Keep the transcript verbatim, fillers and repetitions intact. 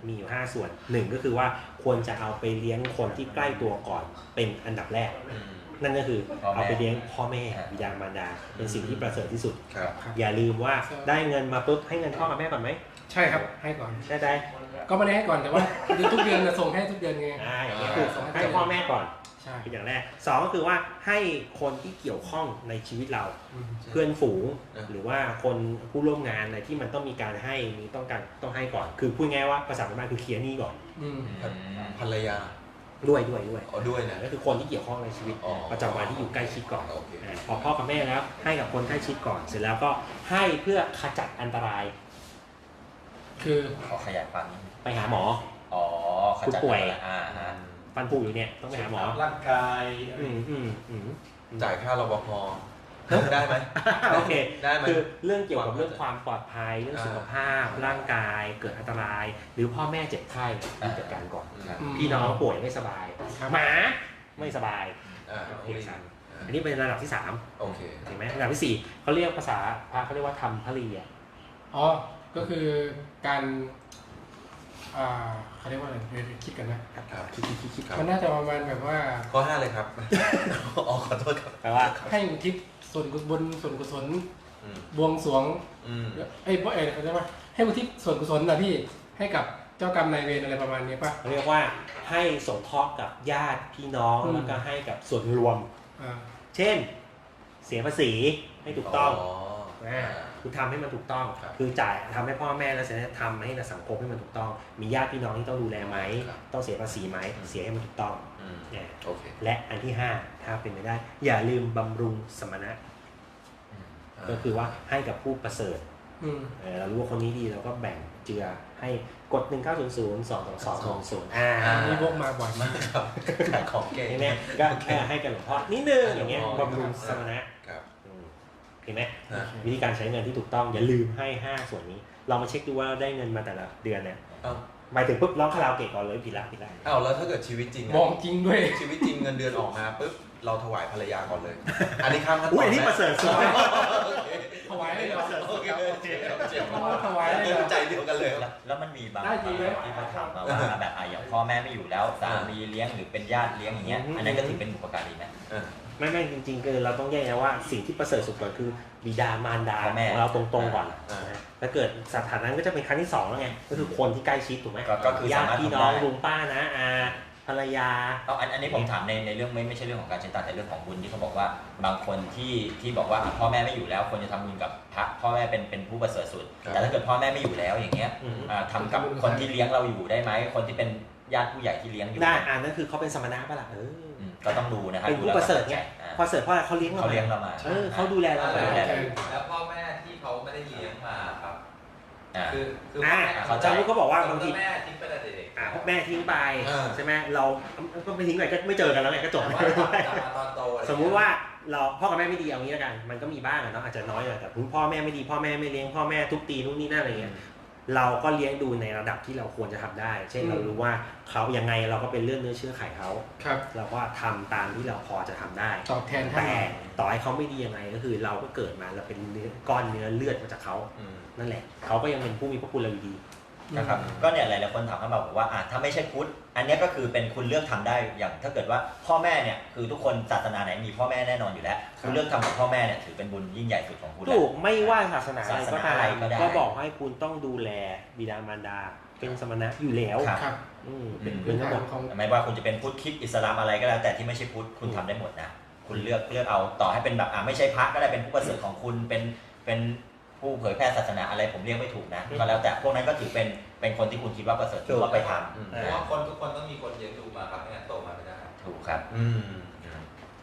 มีอยู่ห้าส่วนหนึ่งก็คือว่าควรจะเอาไปเลี้ยงคนที่ใกล้ตัวก่อนเป็นอันดับแรกนั่นก็คือเอาไปเลี้ยงพ่อแม่บิดามารดาเป็นสิ่งที่ประเสริฐที่สุดอย่าลืมว่าได้เงินมาปุ๊บให้เงินพ่อกับแม่ก่อนไหมใช่ครับให้ก่อนได้ได้ก็ไม่ได้ให้ก่อนแต่ว่าทุกเดือนจะส่งให้ทุกเดือนไงอ่าอย่างนี้คือให้พ่อแม่ก่อนใช่เป็นอย่างแรกสองก็คือว่าให้คนที่เกี่ยวข้องในชีวิตเราเพื่อนฝูงหรือว่าคนผู้ร่วมงานอะไรที่มันต้องมีการให้มีต้องการต้องให้ก่อนคือพูดง่ายว่าภาษาบ้านคือเคลียร์หนี้ก่อนภรรยาด้วยด้วยด้วยอ๋อด้วยนะก็คือคนที่เกี่ยวข้องในชีวิตประจำวันที่อยู่ใกล้ชิดก่อนพอพ่อกับแม่แล้วให้กับคนใกล้ชิดก่อนเสร็จแล้วก็ให้เพื่อขจัดอันตรายคือขอขยายความไปหาหมออ๋อคุณป่วยอ่าฟันผุอยู่เนี่ยต้องไปหาหมอร่างกายอืมอืมอืมจ่ายค่ารปภได้ไหมโอเคได้ไหมคือเรื่องเกี่ยวกับเรื่องความปลอดภัยเรื่องสุขภาพร่างกายเกิดอันตรายหรือพ่อแม่เจ็บไข้จัดการก่อนพี่น้องป่วยไม่สบายหมาไม่สบายอันนี้เป็นระดับที่สามโอเคเห็นไหมระดับที่สี่เขาเรียกภาษาพระเขาเรียกว่าธรรมพลีอ่ะอ๋อก็คือการอ่าเขาเรียกว่าอะไรคิดกันนะคิดคิดคิดคิดมันน่าจะประมาณแบบว่าข้อห้าเลยครับอ๋อขอโทษครับแปลว่าให้อุทิศส่วนบุญส่วนกุศลบวงสรวงไอ้พวกเอ๋เขาเรียกว่าให้อุทิศส่วนกุศลนะพี่ให้กับเจ้ากรรมนายเวรอะไรประมาณนี้ป่ะเรียกว่าให้สงเคราะห์กับญาติพี่น้องแล้วก็ให้กับส่วนรวมเช่นเสียภาษีให้ถูกต้องคือทำให้มันถูกต้องคือจ่ายทำให้พ่อแม่แล้วเสร็จแล้วทำให้ในสังคมให้มันถูกต้องมีญาติพี่น้องที่ต้องดูแลไหมต้องเสียภาษีไหมเสียให้มันถูกต้องเนี่ยและอันที่ห้าถ้าเป็นไปได้อย่าลืมบำรุงสมณะก็คือว่าให้กับผู้ประเสริฐเรารู้ว่าคนนี้ดีเราก็แบ่งเจือให้กดหนึ่งเก้าศูนย์ศูนย์สองสองสองสองศูนย์อ่านี่พวกมาบ่อยมากครับของเก่งเนี่ยก็แค่ให้กันหลวงพ่อนิดนึงอย่างเงี้ยบำรุงสมณะเห็นไหมวิธีการใช้เงินที่ถูกต้องอย่าลืมให้ห้าส่วนนี้เรามาเช็คดูว่าได้เงินมาแต่ละเดือนเนี่ยหมายถึงปุ๊บร้องคาราโอเกะก่อนเลยผิดละผิดละอ้าวแล้วถ้าเกิดชีวิตจริงมองจริงด้วยชีวิตจริงเงินเดือนออกมาปุ๊บเราถวายภรรยาก่อนเลยอันนี้ข้ามขั้นตอนอุ้ยอันนี้ประเสริฐสุดถวายเลยเหรอโอเคโอเคถวายเลยใจเดียวกันเลยแล้วมันมีบางที่เขาถามมาว่าแบบอ่ะอย่างพ่อแม่ไม่อยู่แล้วสามีเลี้ยงหรือเป็นญาติเลี้ยงอย่างเงี้ยอันนั้นก็ถือเป็นบุพการีไหมไม่ไม่จริงๆคือเราต้องแยกนะว่าสิ่งที่ประเสริฐสุดก่อนคือบิดามารดาของเราตรงๆก่อนถ้าเกิดสถานะนั้นก็จะเป็นครั้งที่สองแล้วไงก็คือคนที่ใกล้ชิดถูกไหมก็คือญาติพี่น้องลุงป้านะอาภรรยาเอาอันนี้ผมถามในในเรื่องไม่ไม่ใช่เรื่องของการใช้ตัดแต่เรื่องของบุญที่เขาบอกว่าบางคนที่ที่บอกว่าพ่อแม่ไม่อยู่แล้วควรจะทำบุญกับพระพ่อแม่เป็นเป็นผู้ประเสริฐสุดแต่ถ้าเกิดพ่อแม่ไม่อยู่แล้วอย่างเงี้ยทำกับคนที่เลี้ยงเราอยู่ได้ไหมคนที่เป็นญาติผู้ใหญ่ที่เลี้ยงอยู่ได้อ่านั่นคือเขาเป็นสมณะป่ะล่ะเออก็ต้องดูนะครับเป็นผู้ประเสริฐไงประเสริฐเพราะเขาเลี้ยงเราเขาเลี้ยงเรามาเออเขาดูแลเราแล้วพ่อแม่ที่เขาไม่ได้เลี้ยงมาครับคือคือเขาจะรู้เขาบอกว่าบางทีแม่ทิ้งไปแต่เด็กอ่าแม่ทิ้งไปใช่ไหมเราก็ไม่ทิ้งไปก็ไม่เจอกันแล้วไงก็จบสมมุติว่าเราพ่อกับแม่ไม่ดีเอางี้แล้วกันมันก็มีบ้างเนาะอาจจะน้อยหน่อยแต่พ่อแม่ไม่ดีพ่อแม่ไม่เลี้ยงพ่อแม่ทุบตีนู่นนี่นั่นอะไรเงี้ยเราก็เลี้ยงดูในระดับที่เราควรจะทำได้เช่นเรารู้ว่าเขายังไงเราก็เป็นเรื่องเนื้อเชื่อไขเขาเราก็ทำตามที่เราพอจะทำได้ตอบแทนแต่ต่อให้เขาไม่ดียังไงก็คือเราก็เกิดมาเราเป็นเนื้อก้อนเนื้อเลือดมาจากเขานั่นแหละเขาก็ยังเป็นผู้มีพระคุณเราอยู่ดีนะครับก็เนี่ยหลายๆคนถามเข้ามาบอกว่าอ่ะถ้าไม่ใช่พุทธอันนี้ก็คือเป็นคุณเลือกทำได้อย่างถ้าเกิดว่าพ่อแม่เนี่ยคือทุกคนศาสนาไหนมีพ่อแม่แน่นอนอยู่แล้วคุณเลือกทำกับพ่อแม่เนี่ยถือเป็นบุญยิ่งใหญ่สุดของคุณถูกไม่ว่าศาสนาอะไรก็ตามก็บอกให้คุณต้องดูแลบิดามารดาเป็นสมณะอยู่แล้วครับเป็นทั้งหมดไม่ว่าคุณจะเป็นพุทธคริสต์อิสลามอะไรก็แล้วแต่ที่ไม่ใช่พุทธคุณทำได้หมดนะคุณเลือกเลือกเอาต่อให้เป็นแบบอ่ะไม่ใช่พระก็ได้เป็นผู้ประเสริฐของคุณเป็นเป็นผู้เผยแพร่ศาสนาอะไรผมเรียกไม่ถูกนะก็แล้วแต่พวกนั้นก็ถือเป็นเป็นคนที่คุณคิดว่าประเสริฐก็ไปทำเพราะว่าคนทุกคนต้องมีคนเลี้ยงดูมาครับไม่งั้นโตมาไม่ได้ถูกครับอืม